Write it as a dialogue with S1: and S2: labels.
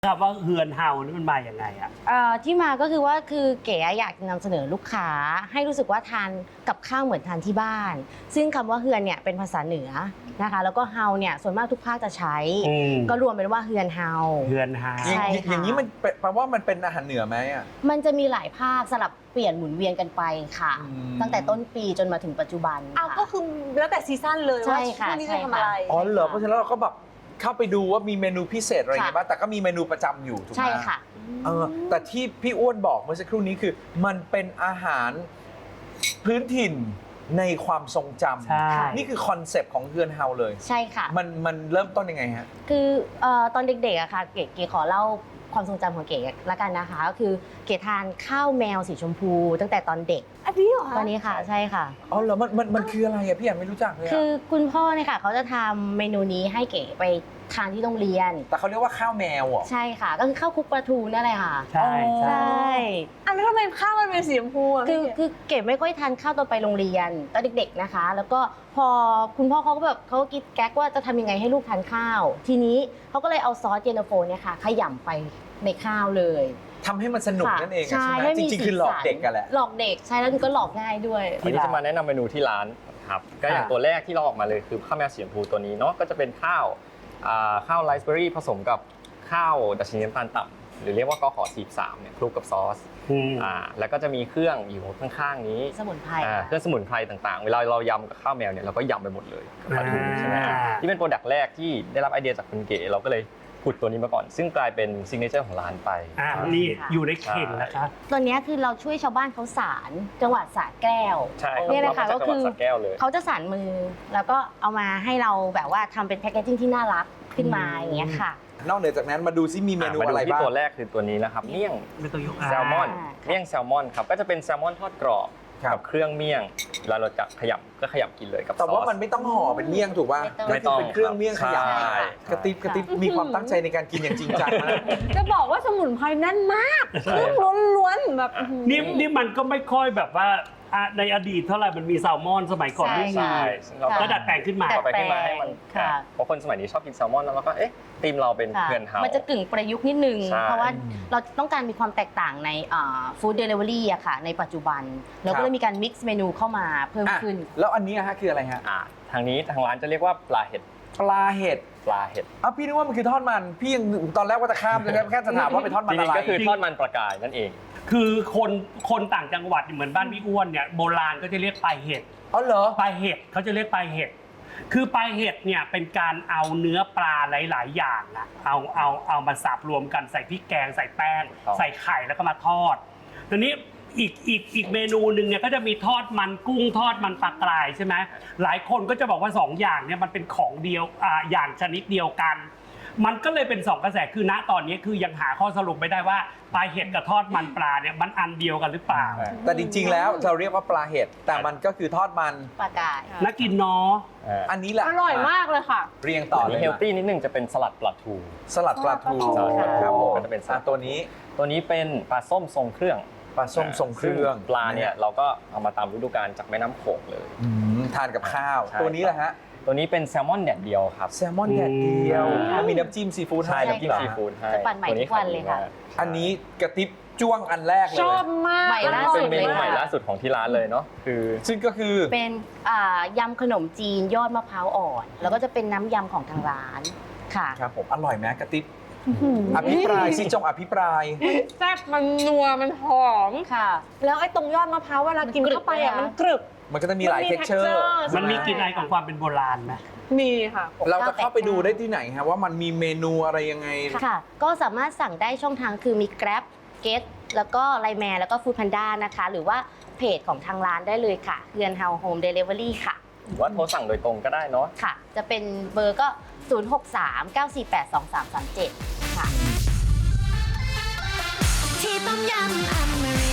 S1: ครับว่าเฮือนเฮานี่มันมาอย่างไงอ่ะ
S2: ที่มาก็คือว่าเก๋อยากนำเสนอลูกค้าให้รู้สึกว่าทานกับข้าวเหมือนทานที่บ้านซึ่งคำว่าเฮือนเนี่ยเป็นภาษาเหนือนะคะแล้วก็เฮาเนี่ยส่วนมากทุกภาคจะใช้ก็รวมเป็นว่าเฮือนเฮา
S1: เฮือนเฮา
S2: ใช่ค่ะ
S3: อย่างนี้มันแปลว่ามันเป็นอาหารเหนือไหมอ่ะ
S2: มันจะมีหลายภาคสลับเปลี่ยนหมุนเวียนกันไปค่ะตั้งแต่ต้นปีจนมาถึงปัจจุบัน
S4: อ้าวก็คือแล้วแต่ซีซั่นเลยว่าช่วงนี้จะทำอะไร
S3: อ๋อเหรอเพราะฉะนั้นเราก็แบบเข้าไปดูว่ามีเมนูพิเศษอะไรอย่างเงี้ยบ้างแต่ก็มีเมนูประจำอยู่ถูกไหม
S2: ใช่ค่ะ
S3: แต่ที่พี่อ้วนบอกเมื่อสักครู่นี้คือมันเป็นอาหารพื้นถิ่นในความทรงจำนี่คือคอนเซปต์ของเฮือนเฮาเลย
S2: ใช่ค่ะ
S3: มันเริ่มต้นยังไงฮะ
S2: คือตอนเด็กๆอะค่ะเก๋ขอเล่าความทรงจำของเก๋ละกันนะคะก็คือเก๋ทานข้าวแมวสีชมพูตั้งแต่ตอนเด็ก
S4: อันนี้เหรอ
S2: ตอนนี้ค่ะใช่ค่ะ
S3: อ๋อเหรอมันคืออะไรอะพี่ยังไม่รู้จักเลย
S2: คือคุณพ่อเนี่ยค่ะเขาจะทำเมนูนี้ให้เก๋ไปทานที่โรงเรียน
S3: แต่เขาเรียกว่าข้าวแมวเหรอ
S2: ใช่ค่ะก็คือข้าวคลุกปลาทูนั่นแหละค่ะ
S1: ใช่
S2: ใช่
S4: อันนี้ทำไมข้าวมันเป็นสีชมพูอ่ะ
S2: คือเก๋ไม่ค่อยทานข้าวตอนไปโรงเรียนตอนเด็กๆนะคะแล้วก็พอคุณพ่อเขาก็แบบเขาคิดแก๊กว่าจะทำยังไงให้ลูกทานข้าวทีนี้เขาก็เลยเอาซอสเย็นตาโฟเนี่ยค่ะขยำไปในข้าวเลย
S3: ทำให้มันสนุกนั่นเองใช่ไหมจริงๆคือหลอกเด็กกันแหละ
S2: หลอกเด็กใช่แล้วก็หลอกง่ายด้วย
S5: วันนี้จะมาแนะนำเมนูที่ร้านครับก็อย่างตัวแรกที่เราออกมาเลยคือข้าวแมวสีชมพูตัวนี้เนาะก็จะเป็นข้าวไรซ์เบอร์รี่ผสมกับข้าวดัชนีน้ำตาลต่ำหรือเรียกว่ากข.43เนี่ยคลุกกับซอสแล้วก็จะมีเครื่องอยู่ข้างๆนี้
S2: สมุนไพร
S5: เครื่องสมุนไพรต่างๆเวลาเรายำกับข้าวแมวเนี่ยเราก็ยำไปหมดเลยกับปลาทูใช่ไหมที่เป็นโปรดักต์แรกที่ได้รับไอเดียจากคุณเก๋เราก็เลยผุดตัวนี้มาก่อนซึ่งกลายเป็นซิกเนเจอร์ของร้านไป
S1: นี่อยู่ในเข่งนะคะ
S2: ตัวนี้คือเราช่วยชาวบ้านเขาสารจังหวัดสระแก้ว
S5: ใช่
S2: เนี่ยนะคะก็คือเขาจะสารมือแล้วก็เอามาให้เราแบบว่าทำเป็นแพคเกจจิ้งที่น่ารักขึ้นมาอย่างเงี้ยค่ะ
S3: นอกเหนือจากนั้นมาดูซิมีเมนูอะไรบ้าง
S5: ตัวแรกคือตัวนี้นะครับเมี่ยงแซลมอนเมี่ยงแซลมอนครับก็จะเป็นแซลมอนทอดกรอบกับเครื่องเมี่ยงแล้วเราจะขยำกินเลยกับซอส
S3: แต่ว่ามันไม่ต้องห่อเป็นเมี่ยงถูกป่ะ
S5: ไม่ต้อง
S3: เป็นเครื่องเมี่ยงขยำกระติบมีความตั้งใจในการกินอย่างจริงจังนะ
S4: จะบอกว่าสมุนไพรแน่นมากเครื่องล้วนๆแบบ
S1: นี่มันก็ไม่ค่อยแบบว่าในอดีตเท่าไหร่มันมีแซลมอนสมัยก่อนไม่มีก็ดัดแปลงขึ้นมา
S5: ให้มันเพราะคนสมัยนี้ชอบกินแซลมอนแล้วก็ธีมเราเป็นเฮือนเฮา
S2: มันจะกึ่งประยุกต์นิดนึงเพราะว่าเราต้องการมีความแตกต่างในฟู้ดเดลิเวอรี่อะค่ะในปัจจุบันเราก็เลยมีการมิกซ์เมนูเข้ามาเพิ่มขึ้น
S3: แล้วอันนี้ฮะคืออะไรฮะ
S5: ทางร้านจะเรียกว่าปลาเห็ด
S3: พี่นึกว่ามันคือทอดมันพี่ยังตอนแรกว่าจะข้ามเลยแค่จะถามว่าเป็นทอดมันอะไร
S5: ก็คือทอดมันปลากายนั่นเอง
S1: คือคนต่างจังหวัดเหมือนบ้านพี่อ้วนเนี่ยโบราณก็จะเรียกปลาเห็ด
S3: อ๋อเหรอ
S1: ปลาเห็ดเขาจะเรียกปลาเห็ดคือปลาเห็ดเนี่ยเป็นการเอาเนื้อปลาหลายๆอย่างนะเอามาสับรวมกันใส่พริกแกงใส่แป้งใส่ไข่แล้วก็มาทอดทีนี้อีกเมนูหนึ่งเนี่ยก็จะมีทอดมันกุ้งทอดมันปลากรายใช่ไหมหลายคนก็จะบอกว่า2อย่างเนี่ยมันเป็นของเดียวอย่างชนิดเดียวกันมันก็เลยเป็น2กระแสคือณตอนนี้คือยังหาข้อสรุปไม่ได้ว่าปลาเห็ดกับทอดมันปลาเนี่ยมันอันเดียวกันหรือเปล่า
S3: แต่จริงๆแล้วเราเรียกว่าปลาเห็ดแต่มันก็คือทอดมัน
S2: ปลากาย
S1: น่ากินเนาะ
S3: อันนี้แหละ
S4: อร่อยมากเลยค่ะ
S3: เรียงต่อเลย
S5: เฮลตี้นิดนึงจะเป็นสลัดปลาทู
S3: ครับผม
S5: จะเป็น
S3: ตัว
S5: นี้เป็นปลาส้มทรงเครื่อง
S3: ปลาส้มทรงเครื่อง
S5: ปลาเนี่ยเราก็เอามาตามฤดูกาลจากแม่น้ำโขงเลย
S3: ทานกับข้าวตัวนี้แหละฮะ
S5: ตัวนี้เป็นแซลมอนแดดเดียวครับ
S3: แซลมอนแดดเดียวมีน้ำจิ้มซีฟู้ด
S5: ให้น้ำจิ้มซีฟู้ดให้
S2: จะปั่นใหม่ทุกวันเลยค่ะ
S3: อันนี้กระติบจ้วงอันแรกเลย
S4: ชอบมาก
S2: ใหม่ล่าสุด
S5: เป็นเมนูใหม่ล่าสุดของที่ร้านเลยเนาะ
S3: ซึ่งก็คือ
S2: เป็นยำขนมจีนยอดมะพร้าวอ่อนแล้วก็จะเป็นน้ำยำของทางร้านค่ะ
S3: ครับผมอร่อยไหมกระติบอภิปรายซิจงอภิปราย
S4: แซ่บมันนัวมันหอม
S2: ค่ะ
S4: แล้วไอ้ตรงยอดมะพร้าวเวลากินเข้าไปอ่ะมันกรึบ
S3: มันก็จะมีหลายเท็กเจอร์
S1: มันมีกลิ่นอายของความเป็นโบราณไหม
S4: มีค่ะ
S3: เราจะเข้าไปดูได้ที่ไหนครับว่ามันมีเมนูอะไรยังไง
S2: ค่ะก็สามารถสั่งได้ช่องทางคือมี Grab Get แล้วก็ Line Man แล้วก็ Food Panda นะคะหรือว่าเพจของทางร้านได้เลยค่ะเฮือนเฮาโฮมเดลิเวอรี่ค่ะ
S5: หรือว่าโทรสั่งโดยตรงก็ได้เนาะ
S2: ค่ะจะเป็นเบอร์ก็063-948-2337ค่ะที่ต้มยำอเมริ